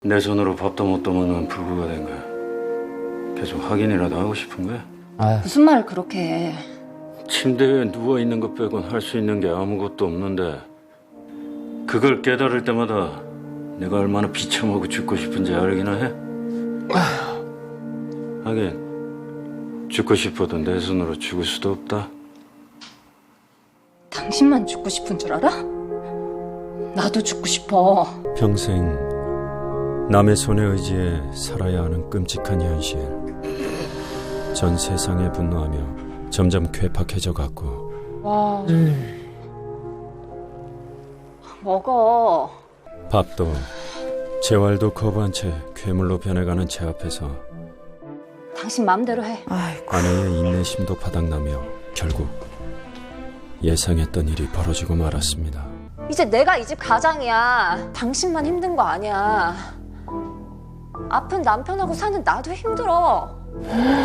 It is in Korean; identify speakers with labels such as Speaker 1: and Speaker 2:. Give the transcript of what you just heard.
Speaker 1: 내 손으로 밥도 못 떠먹는 불구가 된 거야. 계속 확인이라도 하고 싶은 거야?
Speaker 2: 무슨 말을 그렇게 해.
Speaker 1: 침대에 누워있는 것 빼곤 할 수 있는 게 아무것도 없는데 그걸 깨달을 때마다 내가 얼마나 비참하고 죽고 싶은지 알기나 해? 하긴 죽고 싶어도 내 손으로 죽을 수도 없다.
Speaker 2: 당신만 죽고 싶은 줄 알아? 나도 죽고 싶어.
Speaker 1: 평생 남의 손에 의지해 살아야 하는 끔찍한 현실. 전 세상에 분노하며 점점 괴팍해져 갔고.
Speaker 2: 와. 먹어.
Speaker 1: 밥도 재활도 거부한 채 괴물로 변해가는 제 앞에서
Speaker 2: 당신 마음대로 해.
Speaker 1: 아내의 인내심도 바닥나며 결국 예상했던 일이 벌어지고 말았습니다.
Speaker 2: 이제 내가 이 집 가장이야. 당신만 힘든 거 아니야. 아픈 남편하고 사는 나도 힘들어.